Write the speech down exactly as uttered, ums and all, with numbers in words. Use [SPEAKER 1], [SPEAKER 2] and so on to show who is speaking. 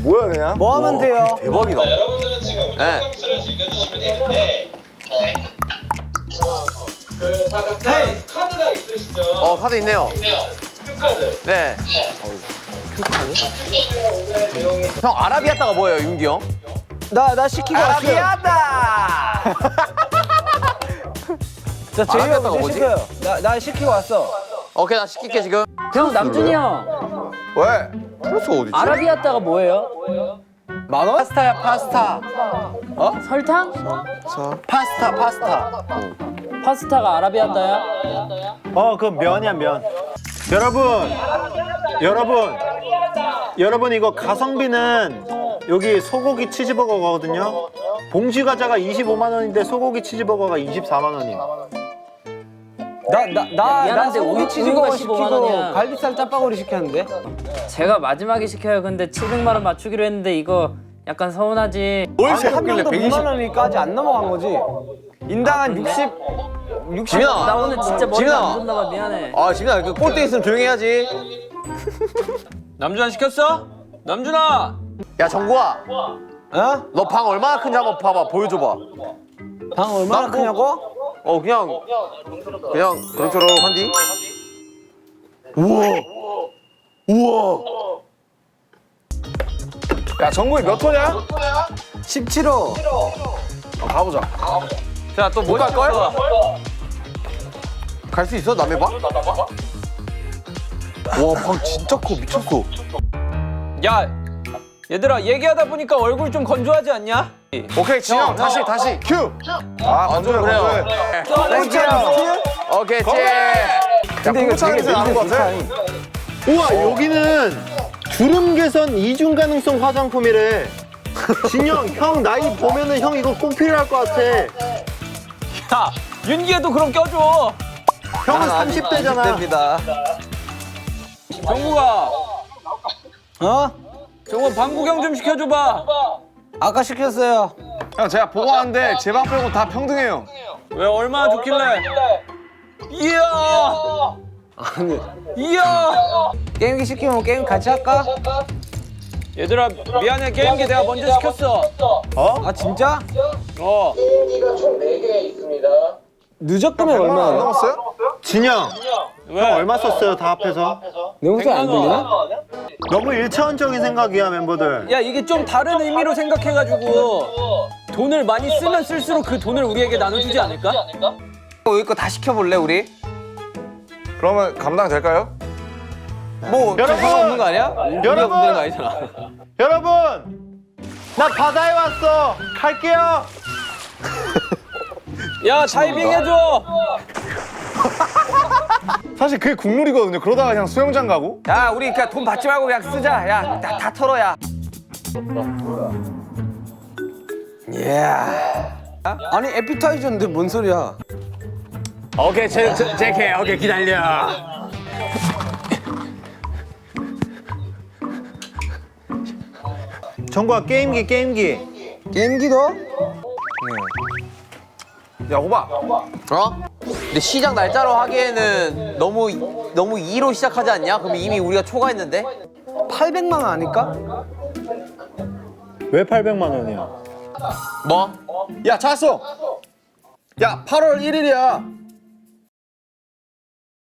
[SPEAKER 1] 뭐야 그냥?
[SPEAKER 2] 뭐 하면 돼요?
[SPEAKER 1] 대박이다.
[SPEAKER 3] 자, 여러분들은 지금
[SPEAKER 4] 네.
[SPEAKER 3] 콘서트를 즐겨주시면 되는데 그 사각 카드가 있으시죠?
[SPEAKER 4] 어 카드 있네요.
[SPEAKER 3] 큐카드.
[SPEAKER 4] 네.
[SPEAKER 3] 오늘의 내용이
[SPEAKER 4] 형 아라비아따가 뭐예요, 윤기 형?
[SPEAKER 2] 나, 나 시키고 왔어요.
[SPEAKER 4] 아라비아따.
[SPEAKER 2] 자, 제이
[SPEAKER 4] 아라비아따가
[SPEAKER 2] 형
[SPEAKER 4] 뭐지?
[SPEAKER 2] 시켜요. 나, 나 시키고 왔어.
[SPEAKER 4] 오케이 나 시킬게 지금.
[SPEAKER 5] 형 남준이 형
[SPEAKER 1] 왜? 플러스가 어디 있지?
[SPEAKER 5] 아라비아따가 뭐예요?
[SPEAKER 2] 만 원?
[SPEAKER 4] 파스타야 파스타.
[SPEAKER 5] 설탕?
[SPEAKER 4] 파스타 파스타.
[SPEAKER 5] 파스타가 아라비아따야?
[SPEAKER 6] 어, 그건 면이야, 면. 여러분, 여러분, 여러분 이거 가성비는 여기 소고기 치즈버거거든요. 봉지 과자가 이십오만 원인데 소고기 치즈버거가 이십사만 원이에요.
[SPEAKER 2] 나, 나, 나, 나
[SPEAKER 5] 미안한데
[SPEAKER 2] 소고기
[SPEAKER 5] 우유-
[SPEAKER 2] 치즈버거
[SPEAKER 5] 우유가 십오만
[SPEAKER 2] 시키고
[SPEAKER 5] 원이야.
[SPEAKER 2] 갈비살 짬바구리 시켰는데?
[SPEAKER 5] 제가 마지막에 시켜요. 근데 칠백만 원 맞추기로 했는데 이거 약간 서운하지.
[SPEAKER 2] 아니, 한 명도 백만 원까지 안 넘어간 거지. 인당 한 육십, 육십.
[SPEAKER 4] 지민아.
[SPEAKER 5] 나 오늘 진짜 머리가
[SPEAKER 4] 지민아.
[SPEAKER 5] 안 좋나 봐. 미안해.
[SPEAKER 4] 아 지민아 그 꼴대 있으면 조용히 해야지.
[SPEAKER 7] 남준아 시켰어? 남준아!
[SPEAKER 4] 야 정구아,
[SPEAKER 2] 어?
[SPEAKER 4] 너 방 얼마나 큰지 한번 봐봐, 보여줘봐.
[SPEAKER 2] 방 얼마나
[SPEAKER 4] 나 뭐-
[SPEAKER 2] 크냐고?
[SPEAKER 4] 어 그냥 그냥 그럭저럭한디.
[SPEAKER 1] 야 정국이 몇 호냐?
[SPEAKER 2] 십칠 호.
[SPEAKER 1] 어, 가보자.
[SPEAKER 7] 자, 또 뭐
[SPEAKER 4] 갈 걸?
[SPEAKER 7] 시켰어?
[SPEAKER 4] 갈 수 있어 남의 방? 와 방 진짜 커 미쳤어.
[SPEAKER 7] 야, 얘들아 얘기하다 보니까 얼굴 좀 건조하지 않냐?
[SPEAKER 1] 오케이 진영 다시 다시 큐. 아 건조해
[SPEAKER 4] 그래요.
[SPEAKER 1] 건조해.
[SPEAKER 4] 오케이 찌.
[SPEAKER 2] 근데 이거
[SPEAKER 1] 공차는
[SPEAKER 2] 되게
[SPEAKER 1] 냄새 나는 것
[SPEAKER 2] 냄새
[SPEAKER 1] 같아.
[SPEAKER 2] 좋다.
[SPEAKER 6] 우와, 여기는 주름 개선 이중 가능성 화장품이래. 진영, 형 나이 보면은 형 이거 꼭 필요할 것 같아.
[SPEAKER 7] 야, 윤기에도 그럼 껴줘.
[SPEAKER 6] 형은 삼십 대잖아.
[SPEAKER 2] 됩니다.
[SPEAKER 7] 정국아,
[SPEAKER 2] 어?
[SPEAKER 7] 저거 방 구경 좀 시켜줘봐.
[SPEAKER 2] 아까 시켰어요.
[SPEAKER 1] 형 제가 보고 왔는데 제 방 빼고 다 평등해요.
[SPEAKER 7] 왜 얼마나 좋길래? 이야,
[SPEAKER 2] 아니,
[SPEAKER 7] 이야.
[SPEAKER 2] 게임기 시키면 게임 같이 할까?
[SPEAKER 7] 얘들아 미안해 게임기 내가 먼저 시켰어.
[SPEAKER 2] 아, 진짜?
[SPEAKER 7] 어.
[SPEAKER 3] 게임기가 총 네 개 있습니다.
[SPEAKER 2] 누적금액
[SPEAKER 1] 얼마 안
[SPEAKER 2] 얼마야?
[SPEAKER 1] 넘었어요?
[SPEAKER 6] 진영,
[SPEAKER 7] 왜?
[SPEAKER 6] 형 얼마 썼어요 다 합해서?
[SPEAKER 2] 내 목소리 안 들리나?
[SPEAKER 6] 너무 일차원적인 생각이야 멤버들.
[SPEAKER 7] 야 이게 좀 다른 의미로 생각해가지고 돈을 많이 쓰면 쓸수록 그 돈을 우리에게 나눠주지 않을까?
[SPEAKER 4] 여기 거 다 시켜볼래 우리?
[SPEAKER 1] 그러면 감당 될까요?
[SPEAKER 4] 뭐
[SPEAKER 6] 여러분!
[SPEAKER 4] 없는 거 아니야?
[SPEAKER 6] 여러분!
[SPEAKER 4] 없는 거 아니잖아.
[SPEAKER 6] 여러분, 나 바다에 왔어. 갈게요.
[SPEAKER 7] 야 다이빙 해줘.
[SPEAKER 1] 사실 그게 국룰이거든요. 그러다가 그냥 수영장 가고.
[SPEAKER 4] 야 우리 그냥 돈 받지 말고 그냥 쓰자. 야 다 다 털어 야.
[SPEAKER 2] 아니, 에피타이저인데 뭔 소리야?
[SPEAKER 6] 오케이, 제, 제, 제게 오케이 기다려. 정구야, 게임기 게임기.
[SPEAKER 2] 게임기도?
[SPEAKER 1] 야 호박.
[SPEAKER 4] 어? 근데 시작 날짜로 하기에는 너무 너무 이로 시작하지 않냐? 그럼 이미 우리가 초과했는데?
[SPEAKER 2] 팔백만 원 아닐까?
[SPEAKER 6] 왜 팔백만 원이야?
[SPEAKER 4] 뭐?
[SPEAKER 1] 야 찾았어. 야 팔월 일일이야.